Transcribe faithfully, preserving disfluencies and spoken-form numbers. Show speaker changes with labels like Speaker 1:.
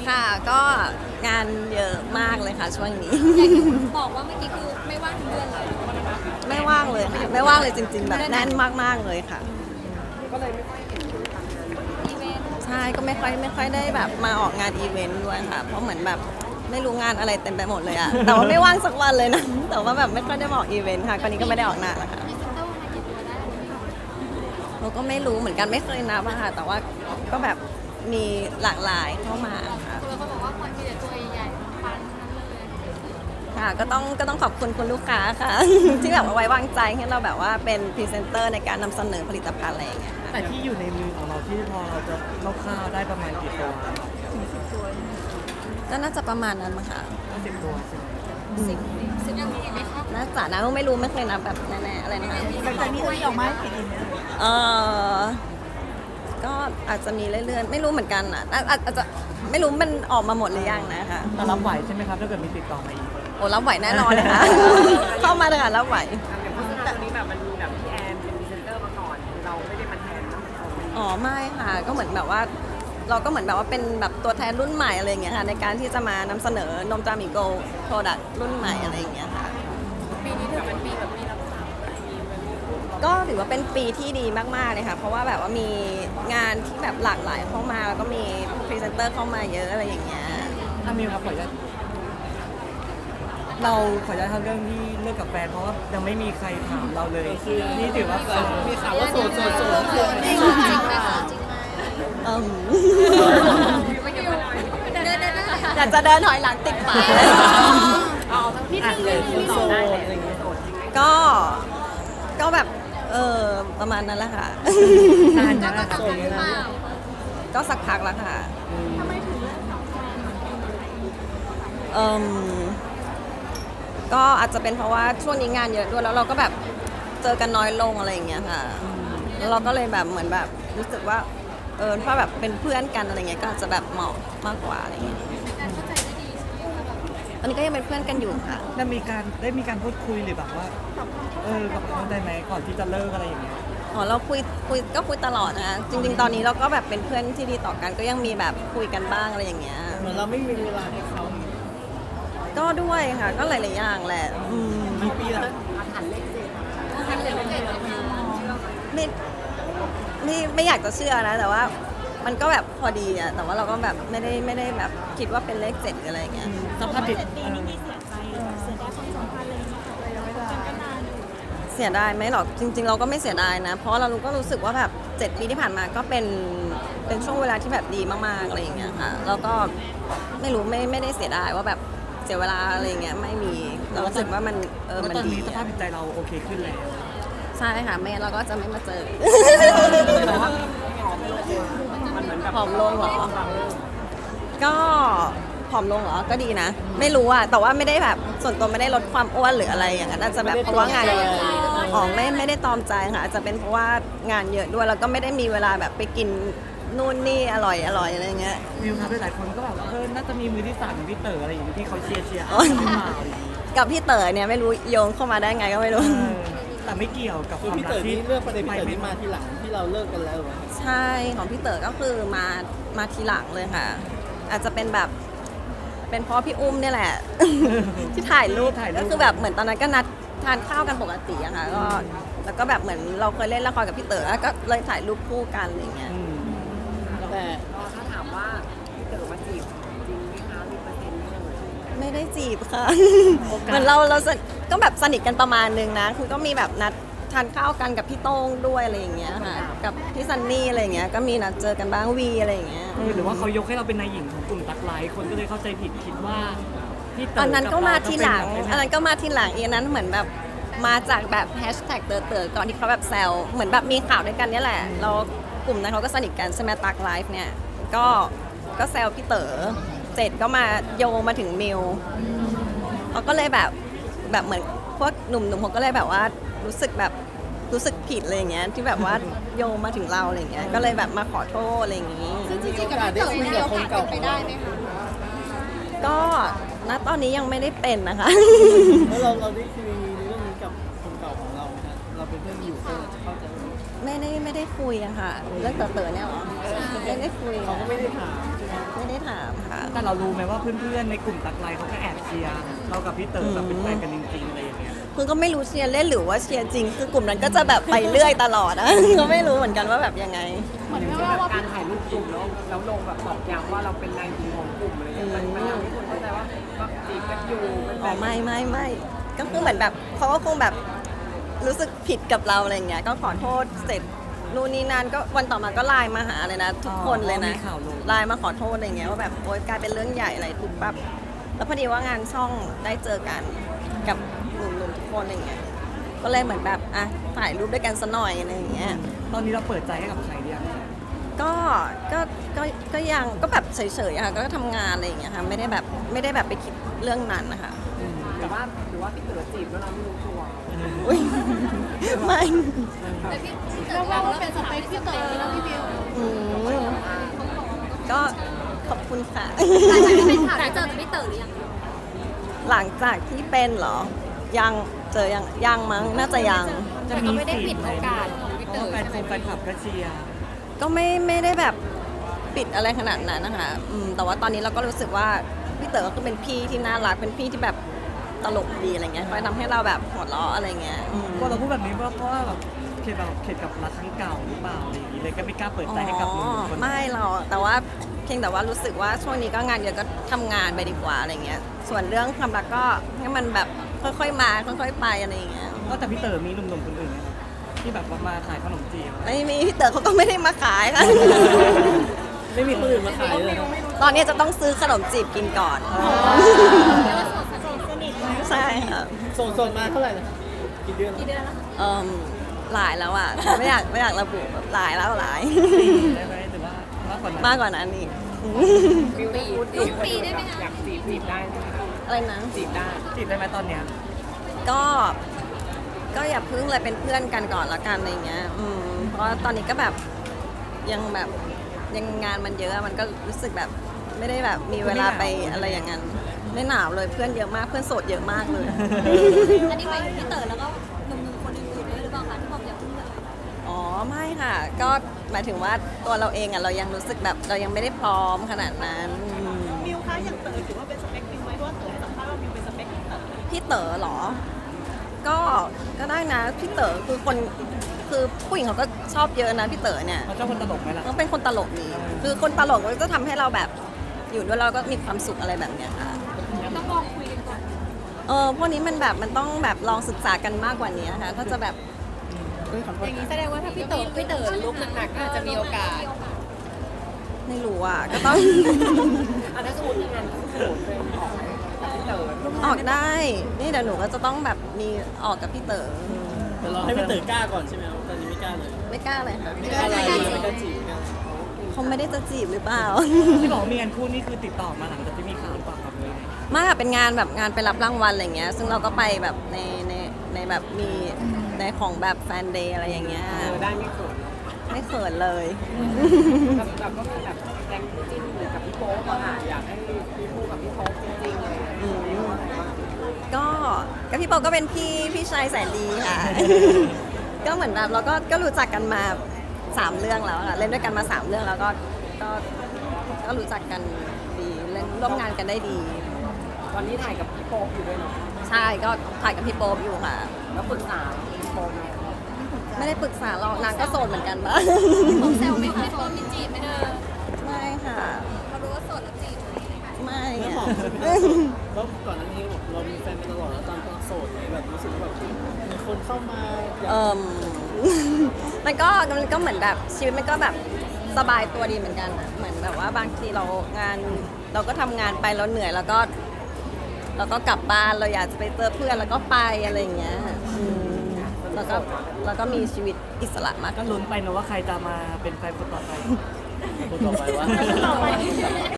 Speaker 1: ค่ะก็งานเยอะมากเลยค่ะช่วงนี้
Speaker 2: อย่างที่บอกว่าเมื่อกี้คือไม่ว่างทั้งเดือนเลย
Speaker 1: ไม่ว่างเลยค่ะไม่ว่างเลยจริง ๆ แบบแน่นมากๆเลยค่ะ
Speaker 2: อีเวนต์
Speaker 1: ใช่ก็ไม่ค่อยไม่ค่อยได้แบบมาออกงานอีเวนต์ด้วยค่ะเพราะเหมือนแบบไม่รู้งานอะไรเต็มไปหมดเลยอะแต่ว่าไม่ว่างสักวันเลยนะแต่ว่าแบบไม่ค่อยได้มาออกอีเวนต์ค่ะคนนี้ก็ไม่ได้ออกนานแล้วค่ะ
Speaker 2: พรีเซนเตอร์มากี่ตัวได้
Speaker 1: เราก็ไม่รู้เหมือนกันไม่เคยนับอะค่ะแต่ว่าก็แบบมีหลากหลายเข้ามาค่ะ
Speaker 2: คือเขาบอกว่าคนมีแต่ตัวใหญ่ๆปันๆทั้งนั้นเลย
Speaker 1: ค่ะก็ต้องก็ต้องขอบคุณคุณลูกค้าค่ะ ที่แบบว่าไว้วางใจให้เราแบบว่าเป็นพรีเซนเตอร์ในการนำเสนอผลิตภัณฑ์อะไรอย่างเงี้ยค่ะ
Speaker 3: แต่ที่อยู่ในมือของเราที่พอเราจะคร่าวๆได้ประมาณกี่ตัว
Speaker 1: ก็น่าจะประมาณนั้นมั้งค่ะ
Speaker 3: สิบตัวใช่ไหม
Speaker 2: สิบสิบยังมีอีกไหมคะ
Speaker 1: น่าจะนะไม่รู้ไม่เคยนับแบบแน่ๆอะไรนะคะ
Speaker 4: หลังจากนี้จะมีออกมาให้เห็นอีกไหม
Speaker 1: เออก็อาจจะมีเรื่อยๆไม่รู้เหมือนกันอ่ะอาอาอาจจะไม่รู้มันออกมาหมดหรือยังนะคะ
Speaker 3: แต่รับไหวใช่ไหมครับถ้าเกิดมีติดต่อมาอีก
Speaker 1: โอ้รับไหวแน่นอนเลยค่ะ เข้ามาเลยค่ะรับไหว
Speaker 5: อย่างโฆษณาตัวนี้แบบมันมีแบบพี่แอนเป็นพรีเซนเตอร์มาก่อน เราไม่ได้มาแทนนะ
Speaker 1: อ๋อไม่ค่ะก็เหมือนแบบว่า เราก็เหมือนแบบว่าเป็นแบบตัวแทนรุ่นใหม่อะไรอย่างเงี้ยค่ะในการที่จะมานำเสนอนมจามิโกโปรดักต์รุ่นใหม่อะไรอย่างเงี้ยค่ะ
Speaker 5: ปีนี้ถือเป็นปีแบบมีรับสาวมีแบบ
Speaker 1: ก็ถือว่าเป็นปีที่ดีมากๆเลยค่ะเพราะว่าแบบว่ามีงานที่แบบหลากหลายเข้ามาแล้วก็มีพรีเซนเตอร์เข้ามาเยอะอะไรอย่างเงี้ย
Speaker 3: ถ้ามิวครับขออนุญาตเราขออนุญาตทำเรื่องที่เลิกกับแฟนเพราะว่ายังไม่มีใครถามเราเลย นี่ถือว่ามีข่าวว่าโสดโสดโสด
Speaker 2: จริงจริงไหมคะจริงไหม
Speaker 1: อืม
Speaker 2: ไม่อยู่เดินเดินเดิน
Speaker 1: อยากจะเดินถอยหลังติดฝาเลย
Speaker 5: เอาทั้งพี่เลยโสดได้เลยอะไรอย่างเงี้ยโสดจริงไหม
Speaker 1: ก็ก็แบบเออประมาณนั้นแหละค่ะ
Speaker 3: นาน
Speaker 2: ก็
Speaker 3: นะ
Speaker 2: ต้องทำหรือเปล่า
Speaker 1: ก็สักพักแล้วค่ะเอ่มก็อาจจะเป็นเพราะว่าช่วงนี้งานเยอะด้วยแล้วเราก็แบบเจอกันน้อยลงอะไรอย่างเงี้ยค่ะแล้วเราก็เลยแบบเหมือนแบบรู้สึกว่าเออถ้าแบบเป็นเพื่อนกันอะไรเงี้ยก็อาจจะแบบเหมาะมากกว่าอะไรเงี้ย
Speaker 2: การเข้าใจได้ดีใช่ไหมคะแบบ
Speaker 1: ตอนนี้ก็ยังเป็นเพื่อนกันอยู่ค่ะ
Speaker 3: ได้มีการได้มีการพูดคุยหรือแบบว่า เออกับเขาได้ไหมก่อนที่จะเลิกอะไรอย่างเงี้ย
Speaker 1: อ๋อเราคุยคุยก็คุยตลอดนะคะจริง ๆ ตอนนี้เราก็แบบเป็นเพื่อนที่ดีต่อกันก็ยังมีแบบคุยกันบ้างอะไรอย่างเงี้ย
Speaker 4: เหมือนเราไม่มีเวลาให้เขา
Speaker 1: ก็ด้วยค่ะก็หลายๆอย่างแหละอืม
Speaker 4: กี่ปีละ
Speaker 2: ทันเลยเจ็ดเลยค่ะ
Speaker 1: ไม่ไม่ไม่อยากจะเชื่อนะ แต่ว่ามันก็แบบพอดีอะแต่ว่าเราก็แบบไม่ได้ไม่ได้แบบคิดว่าเป็นเลขเจ็ดหรืออะไรอย่างเงี้ย
Speaker 3: สภาพจิต
Speaker 1: เสียดายไหมหรอกจริง ๆ เราก็ไม่เสียดายนะ เพราะเราก็รู้สึกว่าแบบเจ็ดปีที่ผ่านมาก็เป็นเป็นช่วงเวลาที่แบบดีมากๆอะไรอย่างเงี้ยค่ะแล้วก็ไม่รู้ไม่ไม่ได้เสียดายว่าแบบเสียเวลาอะไรอย่างเงี้ยไม่มีเรารู้สึกว่ามันเออ
Speaker 3: แล้ว
Speaker 1: มัน
Speaker 3: ตอน
Speaker 1: ดี
Speaker 3: นี้สภาพ
Speaker 1: อะ
Speaker 3: จิตใจเราโอเคขึ้นแล้ว
Speaker 1: ใช่ค่ะไม่งั้นเราก็จะไม่มาเจอ
Speaker 5: แต่ว่ามันเหมือนแบบ
Speaker 1: ผอมลงเหรอ ก็ผอมลงเหรอ ก็ดีนะ ไม่รู้อะแต่ว่าไม่ได้แบบส่วนตัวไม่ได้ลดความอ้วนหรืออะไรอย่างนั้นอาจจะแบบเพราะว่างานอ๋อไม่ไม่ได้ตอมใจค่ะอาจจะเป็นเพราะว่างานเยอะด้วยแล้วก็ไม่ได้มีเวลาแบบไปกินนู่นนี่อร่อยอร่อยอะไรเงี้ย
Speaker 3: มิวครับหลายๆคนก็แบบเออน่าจะมีมือที่สามอย่างพี่เต๋ออะไรอย่างเงี้ยที่เขาเชียร์เชียร์
Speaker 1: โอ๊ย
Speaker 3: ขึ้นมาอะไรอย่างงี้
Speaker 1: กับพี่เต๋อเนี่ยไม่รู้โยงเข้ามาได้ไงก็ไม่รู้
Speaker 3: เออแต่ไม่เกี่ยวกับค
Speaker 4: คือ
Speaker 3: วาม
Speaker 4: พี่
Speaker 3: รั
Speaker 4: เต๋
Speaker 3: ก
Speaker 4: อ
Speaker 3: ที่
Speaker 4: นี่เลือกประเด็นพี่เต๋อนี่มาทีหลังที่เราเลิกกันแล้วเหรอ
Speaker 1: ใช่ของพี่เต๋อก็คือมามาทีหลังเลยค่ะ อาจจะเป็นแบบเป็นเพราะพี่อุ้มเนี่ยแหละ ที่ถ่ายรูปก็คือแบบเหมือนตอนนั้นก็นัดทานข้าวกันปกติอะค่ะก็แล้วก็แบบเหมือนเราเคยเล่นละครกับพี่เต๋อก็เลยถ่ายรูปคู่กันอะไรอย่างเงี้ย
Speaker 3: อืม
Speaker 4: แต่
Speaker 5: ถ้าถามว่าพี่เต๋อมาจีบจริงไหมคะมีเปอร์เซ็นต์ไหมเอ่ย
Speaker 1: ไม่ได้จีบค่ะ เหมือนเราเราสนิทก็แบบสนิทกันประมาณนึงนะคือก็มีแบบนัดทานข้าวกันกับพี่โต้งด้วยอะไรอย่างเงี้ยค่ะกับพี่ซันนี่อะไรอย่างเงี้ยก็มีนัดเจอกันบ้างวีอะไรอย่างเงี้ย
Speaker 3: เออหรือว่าเขายกให้เราเป็นนายหญิงของกลุ่มตักไลท์คนก็เลยเข้าใจผิดคิดว่าพี่เต๋อ
Speaker 1: อั
Speaker 3: อั
Speaker 1: นนั้นก็มาทีหลัง อันนั้นก็มาทีหลังอีกอันนั้นเหมือนแบบมาจากแบบแฮชแท็กเต๋อเต๋อก่อนที่เขาแบบแซวเหมือนแบบมีข่าวด้วยกันเนี่ยแหละเรากลุ่มนั้นเขาก็สนิทกันใช่ไหมตักไลฟ์เนี่ยก็ก็แซวพี่เต๋อเสร็จก็มาโยงมาถึงมิวเขาก็เลยแบบแบบเหมือนพวกหนุ่มๆเขาก็เลยแบบว่ารู้สึกแบบรู้สึกผิดอะไรอย่างเงี้ยที่แบบว่าโยงมาถึงเราอะไรอย่างเงี้ยก็เลยแบบมาขอโทษอะไรอย่างงี้
Speaker 2: ซึ่งจริงๆกับพี่เต๋อมีโอกาสเป็นไปได้ไหมคะ
Speaker 1: ก็ณตอนนี้ยังไม่ได้เป็นนะคะ
Speaker 4: แล้วเราเราได้คุยเรื่องนี้กับคนเก่าของเรานะเราเป็นเพื่อนอยู่ก็จะเข้าใจไหม
Speaker 1: ไม่ได้ไม่ได้คุยอะค่ะเรื่องเต๋อๆเนี่ยเหรอไม่ได้คุย
Speaker 4: เขาก็ไม่ได้ถามใช่ไหม
Speaker 1: ไม่ได้ถามค่ะ
Speaker 3: แต่เรารู้ไหมว่าเพื่อนๆในกลุ่มตักไลน์เขาก็แอบเชียร์เรากับพี่เต๋อแบบเป็นแฟนกันจริงๆอะไรอย่างเงี้ย
Speaker 1: คือก็ไม่รู้เชียร์เล่นหรือว่าเชียร์จริง คือกลุ่มนั้นก็จะแบบไปเรื่อยตลอดอะ ก็ไม่รู้เหมือนกันว่าแบบยังไง
Speaker 5: อย่างเช่นแบบการถ่ายรูปกลุ่มแล้วแล้วลงแบบตอกย้ำว่าเราเป็นนายหญิงของกลุ่มอะไรอย่างเงี้ยมันมันทำให้คนเข้าใจว่าก็จีบกันอยู่เป็นแฟ
Speaker 1: อ๋อน ไม่ไม่ไม่ก็คือเหมือนแบบเขาก็คงแบบรู้สึกผิดกับเราอะไรเงี้ยก็ขอโทษเสร็จนู่นนี่นั่นก็วันต่อมาก็ไลน์มาหาเลยนะทุกคนเลยนะ
Speaker 3: มีข่าวลง
Speaker 1: ไลน์มาขอโทษอะไรเงี้ยว่าแบบโอ๊ยกลายเป็นเรื่องใหญ่อะไรปุ๊บปั๊บแล้วพอดีว่างานช่องได้เจอกันกับหนุ่มๆทุกคนอะไรเงี้ยก็เลยเหมือนแบบอ่ะถ่ายรูปด้วยกันซะหน่อยอะไรอย่างเงี้ย
Speaker 3: ตอนนี้เราเปิดใจให้กับใครหรือยัง
Speaker 1: ก็ก็ก็ก็ยังก็แบบเฉยๆอะค่ะก็ทำงานอะไรอย่างเงี้ยค่ะไม่ได้แบบไม่ได้แบบไปคิดเรื่องนั้นนะคะ
Speaker 5: แต่ว่าหรือว่าพี่เต๋อจีบแล้วเราไม่รู้ตัว
Speaker 1: อุ้ยไม่
Speaker 2: แต่พี่เต๋อว่าเป็นสเปคพี่เต๋อแล้วพี่บิว
Speaker 1: อืมก็ขอบคุณค่ะ
Speaker 2: หลังจากที่เป็นข่าวได้เจอกับพี่เต๋อหรือยัง
Speaker 1: หลังจากที่เป็นเหรอ ยังเจอยังยังมั้งน่าจะยัง
Speaker 3: จะมีสิทธิ์ไหมเพราะว่าแฟนคงแฟนคลับก็เชียร์
Speaker 1: ก็ไม่ไม่ได้แบบปิดอะไรขนาดนั้นนะคะอืมแต่ว่าตอนนี้เราก็รู้สึกว่าพี่เต๋อก็คือเป็นพี่ที่น่ารักเป็นพี่ที่แบบตลกดีอะไรเงี้ยคอยทำให้เราแบบหัวเราะอะไรเงี้ยอืม
Speaker 3: ก็เราพูดแบบนี้เพราะเพราะว่าแบบเข็ดแบบเข็ดกับรักครั้งเก่าหรือเปล่าอะไรอย่างงี้เลยก็ไม่กล้าเปิดใจให้กับหนุ่มคน
Speaker 1: ไม่หรอกแต่ว่าเพียงแต่ว่ารู้สึกว่าช่วงนี้ก็งานเยอะก็ทำงานไปดีกว่าอะไรเงี้ยส่วนเรื่องความรักก็ให้มันแบบค่อยๆมาค่อยๆไปอะไรอย่างเงี้ย
Speaker 3: ก็แต่พี่เต๋อมีหนุ่มๆคนอื่นไหมครับที่แบบว่ามาขายขนมจีบ
Speaker 1: ไม่มีพี่เต๋อเขาก็ไม่ได้มาขายค่ะ
Speaker 4: ไม่มีคนอื่นมาขายเลยนะ
Speaker 1: ตอนนี้จะต้องซื้อขนมจีบกินก่อน
Speaker 2: เรียกว่าโสดสนิท
Speaker 1: ใช่ค่ะ
Speaker 4: โสดๆมาเท่าไหร่นะกี่เดือน
Speaker 2: กี่เดือนแล้ว
Speaker 1: เอ่มหลายแล้วอ่ะไม่อยากไม่อยากระบุแบบหลายแล้วหลาย
Speaker 3: ได้ไหมหรือว่ามากกว่านั้น
Speaker 1: มากกว่านั้นอีก
Speaker 5: บิวพูดจีบอยากจีบจีบได้ใช่ไหมคะ
Speaker 1: อะไรนะ
Speaker 5: จีบได้
Speaker 3: จีบได้ไหมตอนเนี้ย
Speaker 1: ก็ก็อย่าพึ่งเลยเป็นเพื่อนกันก่อนละกันอะไรเงี้ยอืมเพราะว่าตอนนี้ก็แบบยังแบบยังงานมันเยอะมันก็รู้สึกแบบไม่ได้แบบมีเวลาไปอะไรอย่างนั้นไม่หนาวเลยเพื่อนเยอะมากเพื่อนโสดเยอะมากเลย
Speaker 2: อันนี้หมายถึงพี่เต๋อแล้วก็หนุ่มๆคนอื่นๆด้วยหรือเปล่าคะที่บอกอย่าเพิ่งเลย
Speaker 1: อ๋อไม่ค่ะ ก็หมายถึงว่าตัวเราเองอ่ะเรายังรู้สึกแบบเรายังไม่ได้พร้อมขนาดนั้นอืม
Speaker 6: มิวคะอย่างเต๋อถือว่าเป็นสเปคมิวไหมเพราะว่าเต๋อให้สัมภาษณ์ว่ามิวเป็นสเปคของเต๋อ
Speaker 1: พี่เต๋อเหรอ ก็ก็ได้นะพี่เต๋อคือคนคือผู้หญิงเขาก็ชอบเยอะนะพี่เต๋อเนี่ย
Speaker 3: เขาชอบคนตลกไหมล่ะ
Speaker 1: ก็เป็นคนตลกดีคือคนตลกก็จะทำให้เราแบบอยู่ด้วยเราก็มีความสุขอะไรแบบเนี้ยค่ะ
Speaker 2: ต้องลองคุยกันก่อน
Speaker 1: เออพวกนี้มันแบบมันต้องแบบลองศึกษากันมากกว่านี้ค่ะถ้าจะแบบเอ้ยขอโทษ
Speaker 2: อย่างนี้แสดงว่าถ้าพี่เต๋อพี่เต๋อลุกหนักๆก็อาจจะมีโอกาส
Speaker 1: ไม่รู้อ่ะก็ต้อง
Speaker 5: อ่ะถ้าสมมติมีงานคู่เป็นออกกับพี่เต๋อ
Speaker 1: ออกได้ นี่เดี๋ยวหนูก็จะต้องแบบมีออกกับพี่เต๋อ
Speaker 4: แต่เราให้พี่เต๋อกล้าก่อนใช่ไหมครับตอนนี้ไม่กล้าเลย
Speaker 1: ไม่กล้าเลยค่ะ
Speaker 4: ไม่กล้าอะไรไม่กล้าจีบไม่กล้า
Speaker 1: เขาไม่ได้จะจีบหรือเปล่า
Speaker 3: ที่บอกว่ามีงานคู่นี่คือติดต่อมาหลังจากที่มีข่าวหรือเปล่าครับเลย
Speaker 1: ไมากเป็นงานแบบงานไปรับรางวัลอะไรเงี้ย ซึ่งเราก็ไปแบบในในในแบบมีในของแบบแฟนเดย์อะไรอย่างเงี้ย
Speaker 5: เออได้ไม่เขิน
Speaker 1: ไม่เขินเลย
Speaker 5: แบบแบบก็มีแบบแรงคู่จิ้นหรือกับพี่โป๊ปอะค่ะอยากให้พี่คู่กับพี่โป๊ปจริงๆเลย
Speaker 1: อืม ก็กับพี่โปก็เป็นพี่พี่ชายแสนดีค่ะ ก็เหมือนแบบเราก็ก็รู้จักกันมาสามเรื่องแล้วค่ะเล่นด้วยกันมาสามเรื่องแล้วก็ก็ก็รู้จักกันดีเล่นร่วมงานกันได้ดี
Speaker 5: ตอนนี้ถ่ายกับพี่โป๊ปอยู่ด้วยเนาะ
Speaker 1: ใช่ก็ถ่ายกับพี่โป๊ปอยู่ค่ะ
Speaker 5: แล้วปรึกษาพี่โป๊ปไหม
Speaker 1: ไม่ได้ปรึกษาเรานางก็โสดเหมือนกันปะ
Speaker 2: ผมแซวไหมคะโสดมีจีบไหมเธอ
Speaker 1: ไม่ค่ะ
Speaker 2: เขารู้ว่าโสดแล้วจีบไหม
Speaker 1: ไม่
Speaker 4: ไม่
Speaker 1: อะ
Speaker 4: บอกแล้วก่อนหน้านี้บอกเรามีแฟนมาตลอดแล้วตอนโสดเนี่ยแบบรู้สึกว่าแบบมีคนเข้ามาอยาก
Speaker 1: เอ่ม มันก็มันก็เหมือนแบบชีวิตมันก็แบบสบายตัวดีเหมือนกันอะเหมือนแบบว่าบางทีเรางานเราก็ทำงานไปเราเหนื่อยแล้วก็เราก็กลับบ้านเราอยากจะไปเจอเพื่อนแล้วก็ไปอะไรอย่างเงี้ยอืมแล้วก็แล้วก็มีชีวิตอิสระมาก
Speaker 3: ก็ลุ้นไปนะว่าใครจะมาเป็นแฟนคนต่อไป
Speaker 4: คนต่อไปว่า
Speaker 6: ต่อไป